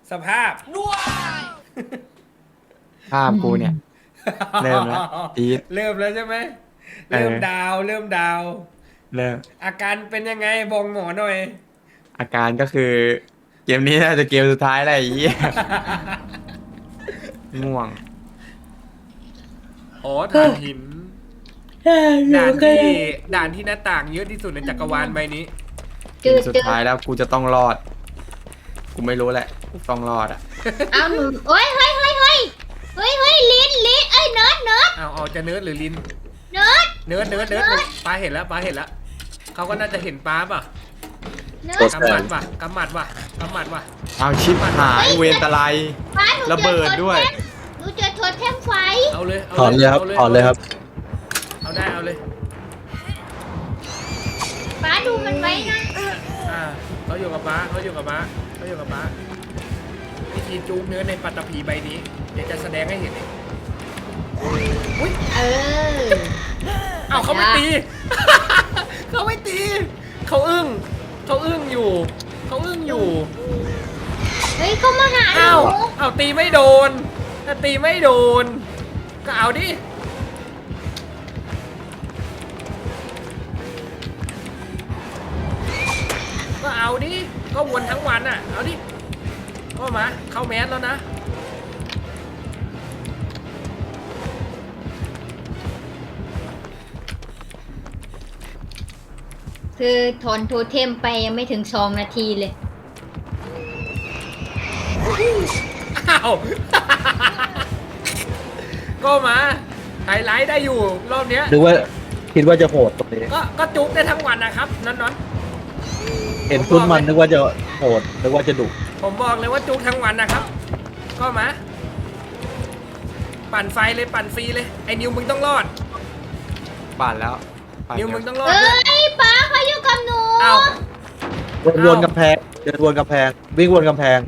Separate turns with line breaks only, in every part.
สภาพ
ภาพกูเนี่ย เริ่มแล้วอีท
เริ่มแล้วใช่ไหม
เออ
เริ่มดาวเริ่มดาว
เริ่ม
อาการเป็นยังไงบอกหมอหน่อย
อาการก็คือ เกมนี้น่าจะเกมสุดท้ายแล้วไอ้เหี้ย ง่วง
อ๋อถ่านหิน ด่านที่ด่านที่หน้าต่างเยอะที่สุดในจักรวาลใบนี้
เกมสุดท้ายแล้วกูจะต้องรอด กูไม่รู้แหละกูต้องรอดอ่ะ
เอาหนูโอ้ยเฮ้ยลิ้นเอ้ยเนิร์ด
เอาจะเนิร์ดหรือลิน
เนิร์ด
เนิร์ดปลาเห็นแล้วเขาก็น่าจะเห็นปลาป่ะ
เนิร์ด
กำหมัดป่ะกำหมัดป่ะ
เอาชิปหายเวรตะไล
ป้าหนู
ระเบิดด้วย
หนูเจอโทษแทมไฟ
เอาเลย
ถอนเลยครับถอนเลยครับ
เอาได้เอาเลย
ป้าดูมันไว้นะ
เขาอยู่กับป้าวิธีจูบเนื้อในปัตตภีใบนี้เดี๋ยวจะแสดงให้เห็นเอง
เออ
เอาเขาไม่ตี เขาไม่ตี เขาอึ้งอยู่
เฮ้ยเขามาหาห
อ้า
นู
วเอาตีไม่โดน ถ้าตีไม่โดน ก็เอาดิ ก็เอาดิ ก็วนทั้งวันอ่ะ เอาดิ ก็มา เข้าแมสแล้วนะ
คือถอนโทเทมไปยังไม่ถึง2 นาทีเลย
อ้าว ก็มาไฮไลท์ได้อยู่รอบเนี้ย
หรือว่าคิดว่าจะโหดตรงนี้
ก็จุกได้ทั้งวันนะครับนอน
เห็นคุณมันนึกว่าจะโหดนึกว่าจะดุ
ๆผมบอกเลยว่าจุกทั้งวันนะครับ ก็มา ปั่นไฟเลยปั่นฟรีเลย ไอ้นิวมึงต้องรอด
ปั่นแล้วปั่น
นิว
เร็
มึ
ว
งต้องรอด
เอ้
ด้วย
ยป้าเขาอยู่กับหนู
เอ้า
วนกำแพงเดินวนกำแพง วิ่งวนกำแพง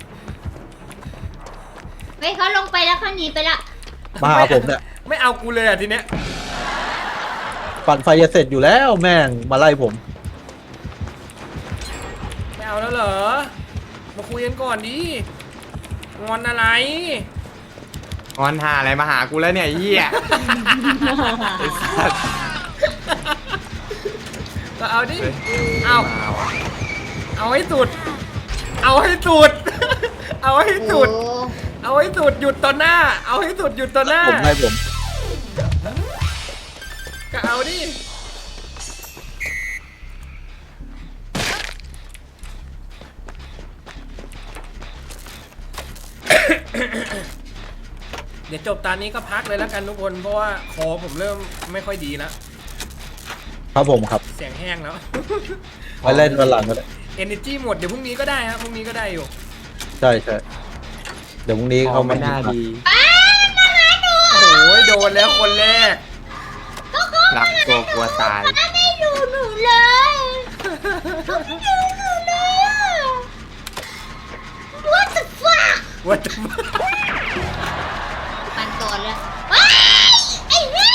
เฮ้ยเขาลงไปแล้วเขาหนีไปละ
มาหาผมเนี่ย
ไม่เอากูเลยอ่ะทีเนี้ย
ปั่นไฟจะเสร็จอยู่แล้วแม่งมาไล่ผม
ไม่เอาแล้วเหรอ มาคุยกันก่อนดิ งอนอะไร
งอนหาอะไรมาหากูแล้วเนี่ยไอ้เหี้ยไอ้สัส
ก็เอาดิ
เฮ้ย
เอา
มาว่ะ
เอาให้สุด เอาให้สุด เอาให้สุด
โอ้
เอาให้สุดหยุดต่อหน้า เอาให้สุดหยุดต่อหน้า
ผมให้ผม
ก็เอาดิ เดี๋ยวจบตอนนี้ก็พักเลยแล้วกันทุกคน เพราะว่าคอผมเริ่มไม่ค่อยดีแล้ว
ครับผมครับ
เสียงแห้งแล้ว
ไปเล่นวันหลังก็ได้
Energy หมดเดี๋ยวพรุ่งนี้ก็ได้ครับพรุ่งนี้ก็ได้อยู่
ใช่ใช่เดี๋ยวพรุ่งนี้
ขอ
เขา
งไม่น่าดี
โอ้ยโดนแล้วคนแรก
รักตัวกลัวตาย
ป้าไม่ดูหนูเลยเขาไม่ดูหนูเลยอะ What the fuck
ว่าจะ
ปันก่อนเลยว้ายไอ้เหี้ย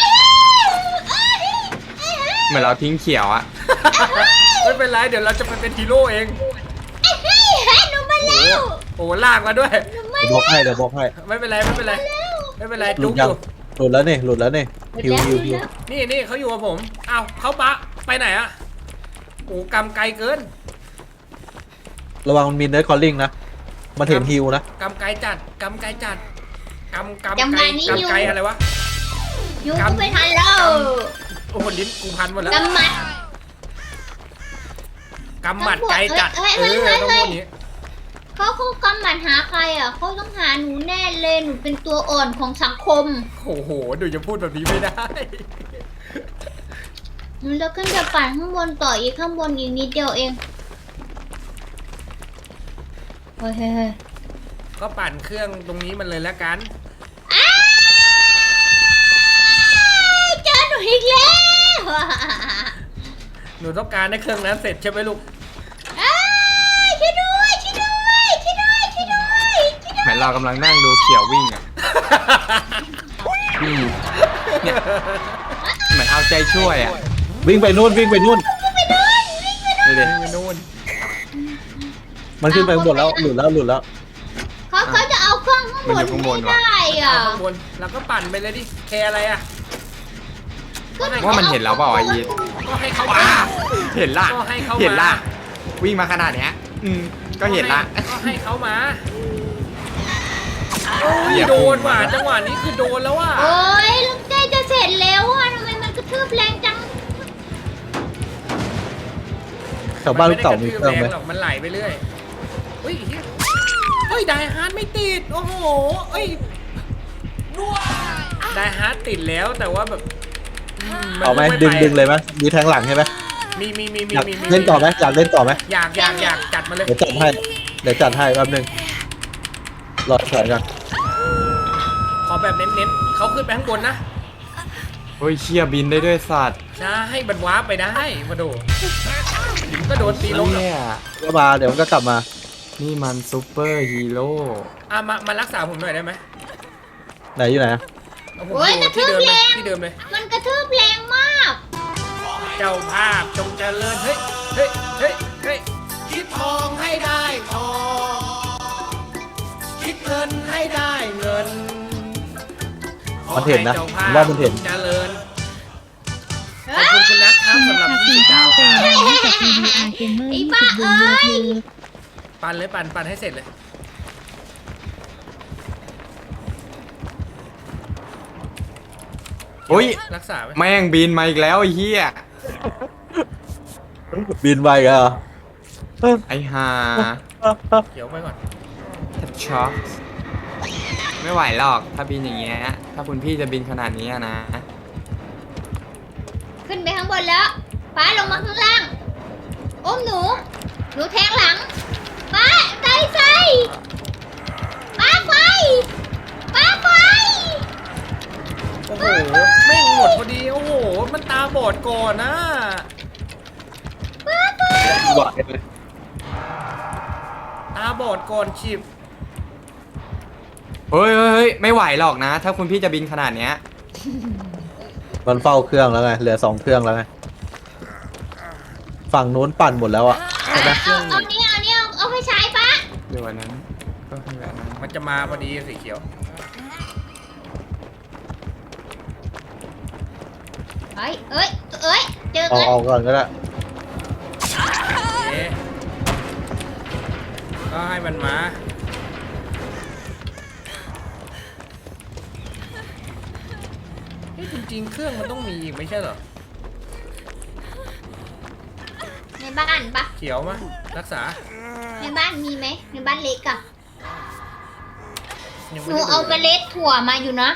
ไอ้เหี้ย
เหมือนเราทิ้งเขียวอะ
ไม่เป็นไรเดี๋ยวเราจะไปเป็นฮีโร่เอง
ไอ้เหี้ยหนูมาแล้ว
โอ้ลากมาด้วย
เดี๋ยวบอกให้เดี๋ยวบอกให้
ไม่เป็นไรไม่เป็นไรไม่เป็นไร
หลุ
จุ
ด
กอ
ยัง
ยู่
หลุดแล้วนี่หลุดแล้วนี่ฮิวฮิวฮิว
นี่เขาอยู่กับผมอ้าวเขาปะไปไหนอะโอ้กำไกลเกิน
ระวังมันมีเนื้อคอลลิ่งนะมันเห็นฮิวนะ
กำไกลจัดกำไกลจัดกำ
จังห
ไกล
วะนี้
กำไกลอะไรวะ
ยูกูไปทันแล้ว
โอ้โหลิ้นกูพันหมดแล้ว
กำมัด
กำหมัดไกลจัด
เฮ้ย
เอ
เฮ้ย
อ
เฮ้ย
ต้องพูดอย่างนี้
เขากำหมัดหาใครอ่ะเขาต้องหาหนูแน่เลยหนูเป็นตัวอ่อนของสังคม
โอ้โหดูจะพูดแบบนี้ไม่ได้
แล้วขึ้นจะปั่นข้างบนต่ออีกข้างบนอีกนิดเดียวเองเฮ้ยเฮ้ย
ก็ปั่นเครื่องตรงนี้มันเลยแล้วกัน
เจอหนูอีกแล้ว
หนูต้องการให้เครื่องนั้นเสร็จใช่ไหมลูก
ช่วยด้วยช่วยด้วยช่วยด้วยช่วยด้วยช่วยด้วย
เหมือนเรากำลังนั่งดูเขียววิ่งอะเนี่ยเหมือนเอาใจช่วยอะ
วิ่งไปนู่นวิ่งไปนู่น
ดูดิ
ไปนู่น
มันขึ้นไปข้างบนแล้วหลุดแล้ว
เขาจะเอาเครื่องข้างบนไม่ได้อ่ะ
เอาข้างบนแล้วก็ปั่นไปเลยดิแคร์อะไรอ่ะ
ว่ามันเห็นเราเปล่าไอ้ยีด
ก็ให้เขามา
เห็นละ
ก็ให้เขามา
เห็นละวิ่งมาขนาดเนี้ยก็เห็นละ
ก็ให้เขามา
เหยียบ
โดนว่ะจังหวะนี้คือโดนแล้วว่ะ
โอ้ยลูกเจ๊จะเสร็จแล้วอ่ะทำไมมันกระทืบแรงจัง
แถวบ้านลูกเต่ามีเครื่องไหม
นด้กะทืบแหรอกมันไหลไปเรื่อยเฮ้ยเหี้ยเฮ้ยไดฮาร์ดไม่ติดโอ้โหเอ้ยไดฮาร์ดติดแล้วแต่ว่าแบบน
เอาไหม
ป
ดึงเลยไหมมีแทงหลังใช่ไหม
มี
อยากเล่นต่อไหมอยากเล่นต่อไหม
อยากจัดมาเลย
เดี๋ยวจัดให้แป๊บนึงรอถอยกัน
ขอแบบเน้นๆเขาขึ้นไปข้างบนนะ
เฮ้ยเชี่ยบินได้ด้วยสัตว์
ใช่ให้บันวาร์ปไปได้มาดูก็โดนตีลง
เนี่ย
ก็มาเดี๋ยวมันก็กลับมา
นี่มันซูเปอร์ฮีโร่
มารักษาผมหน่อยได้ไหม
ไหนอยู่ไหน
เอาผม
โอ้ย
อยู่ที่เดิมเลยที่เดิมเลย
มันกระทืบแรงมาก
เจ้าภาพจงเจริญเฮ้ยคิดทองให้ได้ทองคิดเงินให้ได้เงิน
มันเห็นนะ
ขอ
ผม
ให้
ว่ามันเห็น
เจ้าภาพจงเจริญขอบคุณคุณนัทครับสำหรับ20 ดาวครับ
ไอ้บ้าเอ้ย
ปั่นเลยปั่นให้เสร็จเลย
เฮ้ย
รักษาไว้
แม่งบินมาอีกแล้วไอ้เหี้ย
บินไปกันเหรอ
ไอ้ห่า
เดี๋ยวไปก่อน
แทบช็อกไม่ไหวหรอกถ้าบินอย่างเงี้ยถ้าคุณพี่จะบินขนาดนี้อะนะ
ขึ้นไปข้างบนแล้วป้าลงมาข้างล่างอุ้มหนูแทงหลังป้าไฟป้าไฟ
โอ้โหแม่งหมดพอดีโอ้โหมันตาบอดก่อนนะ
ไหวเลย
ตาบอดก่อนฉิบ
เฮ้ยไม่ไหวหรอกนะ ถ้าคุณพี่จะบินขนาดเนี้ย
มันเฝ้าเครื่องแล้วไงเหลือ2 เครื่องแล้วไงฝั่งนู้นปั่นหมดแล้วอ่ะ
เอานี่เอาไปใช้ป้า
เดี๋ยววันนั้นก็คือแบบนั้น
มันจะมาพอดีสีเขียว
เอ้ยเจอ
เอา
กัน
เอาก่อนก็ได้
เอ๊ะก็ให้มันมาเฮ้ยจริงๆเครื่องมันต้องมีอีกไม่ใช่เหรอ
ในบ้านปะ
เขียวมารักษา
ในบ้านมีไหมในบ้านเล็กอะ
ยัง
ห
ไม่
นู
ได้
เอาเม
ดู
ล็ดถั่วมาอยู่นะ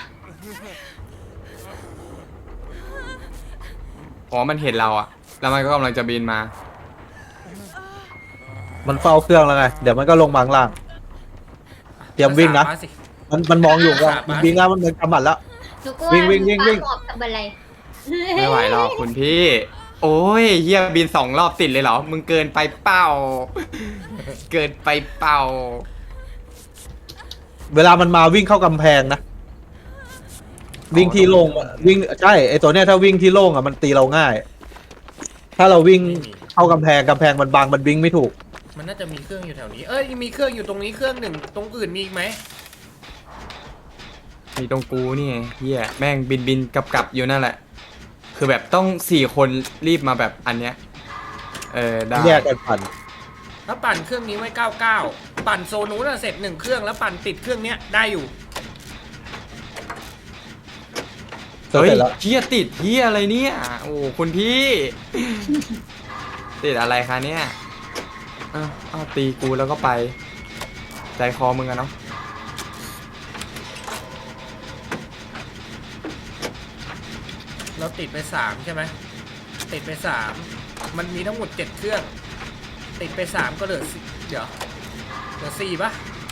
อ๋อมันเห็นเราอะแล้วมันก็กำลังจะบินมา
มันเฝ้าเครื่องแล้วไงเดี๋ยวมันก็ลงมาข้างล่างเตรียมวิ่งนะ
รักษาสิ
มันมองอยู่ว่า
รักษา
มันวิ่งแล้วมันกำหมัดแล้ว
หนูก็ว่า
วิ่ง
ป้าหมอบทำอะไร
ไม่ไหวหรอกคุณพี่ โอ้ยเฮียบิน2 รอบติดเลยเหรอ มึงเกินไปเป้า เกินไปเป้า
เวลามันมาวิ่งเข้ากำแพงนะวิ่งที่โล่งอะวิ่งใช่ไอตัวเนี้ยถ้าวิ่งที่โล่งอ่ะมันตีเราง่าย ถ้าเราวิ่งเข้ากำแพงมันบังมันวิ่งไม่ถูก
มันน่าจะมีเครื่องอยู่แถวนี้ เอ้ยมีเครื่องอยู่ตรงนี้เครื่องหนึ่งตรงอื่นมีอีกไหม
มีตรงกูนี่ไงเฮียแม่งบินกลับอยู่นั่นแหละ คือแบบต้อง4 คนรีบมาแบบอันเนี้ยได้
แยกกันปั่น
ถ้าปั่นเครื่องนี้ไว้99ปั่นโซนู้นนะเสร็จ1เครื่องแล้วปั่นติดเครื่องเนี้ยได้อยู่
เสร็จแล้ว
เฮียติดเฮียอะไรเนี่ย โอ้คุณพี่ ติดอะไรคะเนี่ยอ้าวตีกูแล้วก็ไป ใจคอมึงอะเนาะ
เราติดไป3ใช่ไหมติดไป3มันมีทั้งหมด7เครื่อง ติดไป3ก็เหลือ4เดี๋ยวเหลือ4ปะ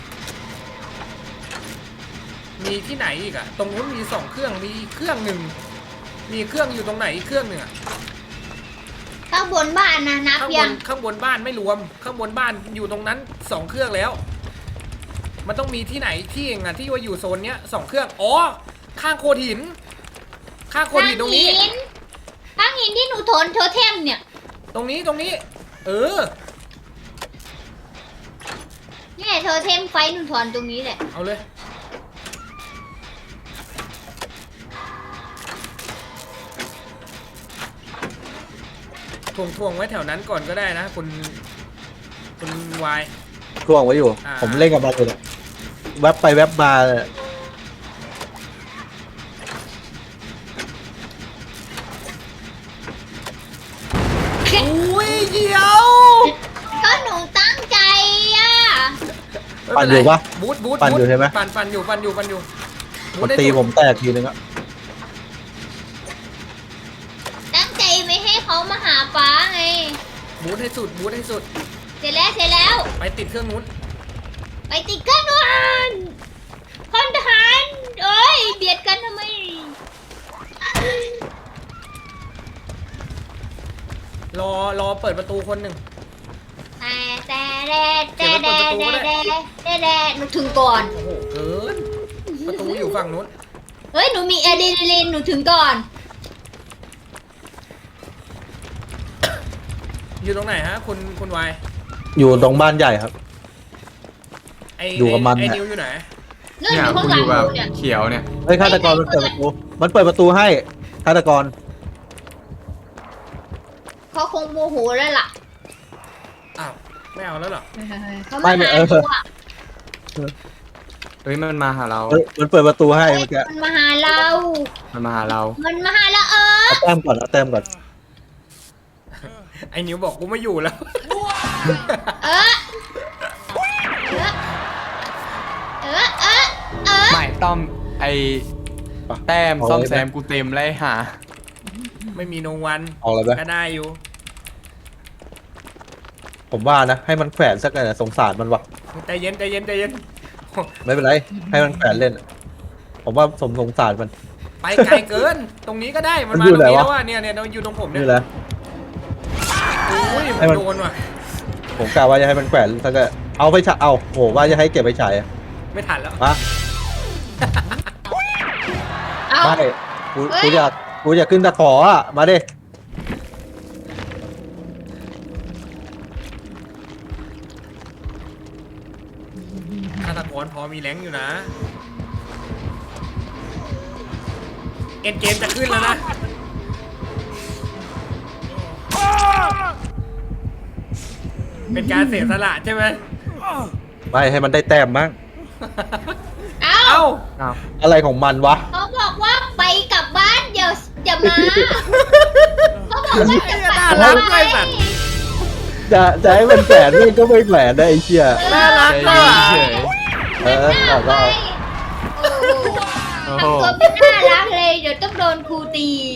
มีที่ไหนอีกอะตรงนู้นมี2เครื่องมีเครื่องหนึ่งมีเครื่องอยู่ตรงไหนอีกเครื่องหนึ่งอะ
ข้างบนบ้านนะนับ
ข้างบ
ยัง
นข้างบนบ้านไม่รวม ข้างบนบ้านอยู่ตรงนั้น2เครื่องแล้ว มันต้องมีที่ไหนที่เองอะที่ว่าอยู่โซนเนี้ย2เครื่องอ๋อข้างโคดหิน ข้างโคดหินตรงนี้
ข้างหินที่หนูโถนโทเทมเนี่ย
ตรงนี้ เออ
โทเทมไฟหนูถอนตรงนี้แหละ
เอาเลยถ่วงไว้แถวนั้นก่อนก็ได้นะคุณวาย
ช่วงไว้อยู่
อ่า
ผมเล่นกับมันอยู่เนี่ยแวบไปแวบมาเลย
อุ้ยเดี๋ยว
ก็หนูตั้งใจอ่ะ
ปั่นอยู่ปะ
บูท
ปั่นอยู่ใช่ไหม
ปั่นอยู่บู
มัน
ทได้
ตี
สุด
ผมแตกทีนึงอะ
ตั้งใจไม่ให้เขามาหาป้าไง
บูทให้สุด
เสร็จแล้ว
ไปติดเครื่องนู้น
ไปติดกันวันพลทหารเอ้ยเบียดกันทำไม
รอเปิดประตูคนหนึ่ง
แต่หนูถึงก่อน
โอ้โหเกินประตูอยู่ฝั่งนู้น
เฮ้ยหนูมีอะดรีนาลีนหนูถึงก่อน
อยู่ตรงไหนฮะคุณวาย
อยู่ตรงบ้านใหญ่ครับ อยู่กับมัน
ไอ้
เนี่ย
นิวอยู่ไหน
นู่น
เนี่
อย ยู่ข้าง
กู
ห
อ
ลัง
ยู่
ห
แบบ
นูเนี่ย
เขียวเนี่ย
เฮ้ยฆาตกรมันเปิดประตู มันเปิดประตูให้ฆาตกร
เขาคงโมโหแล้วล่ะ
อ้าวไม่เอาแล้วเหรอ
เขามาหาหนูอ่ะ
เฮ้ยมันมาหาเรา
เฮ้ยมันเปิดประตูให้
เฮ้ย
เมื่อกี้
มันมาหาเรา
มันมาหาเรา
มันมาหาเรา
เอาแต้มก่อนเอาแต้มก่อน
ไอ้นิวบอกกูไม่อยู่แล้ว
เออเออเออเออ
ไม่ต้อมไอแต้มซ่อมแซมกูเต็มเลยหา
ไม่มีโนวัน
เอาอะไรไป
ก็ได้อยู่
ผมว่านะ ให้มันแขวนสักหน่อยนะสงสารมันวะ
ใจเย็น
ไม่เป็นไร ให้มันแขวนเล่น ผมว่าสงสารมัน
ไปไกลเกิน ตรงนี้ก็ได้มัน
มัน
มา
อยู่
ตรงนี้
ไหนวะ
แล้วว่ะเนี่ยอยู่ตรงผมเนี่ย
นี่แหละ
อุ้ย
ให้มัน
โดนว่ะ
ผมกะว่าจะให้มันแขวนสักหน่อยเอาไปฉายเอาโหว่าจะให้เก็บไปฉายอะ
ไม่ทันแล้ว
มา
เอา
ไม่กู
เฮ้ย
กูอยากขึ้นตะขออ่ะ มาดิ
ฆาตกรพอมีแรงอยู่นะ เอ็นเกมจะขึ้นแล้วนะ เป็นการเสียสละใช่ไหม
ไม่ให้มันได้แต้มบ้าง
เอา
เอ้า
อ้าว
อะไรของมันวะ
เขาบอกว่าไปกลับบ้านอย่ามาเขาบอกว่าจะกลับ
น่า
บ้า
รั
น
กด้วยสัตว์
จะให้มันแขวนนี่ก็ไม่แขวนนะไอ้เชี่ย
น่ารัก
ใจ
ด้วย
เย็นเฉย
เออ
หน้า
ก็
ไป
โอ้
โอ้
โห
โหทำตัวไม่น่ารักเลยเดี๋ยวต้องโดนครูตี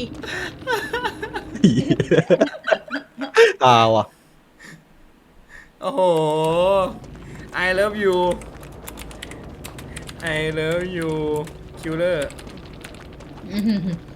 ตาว่ะ
โอ้โห I love you I love you killer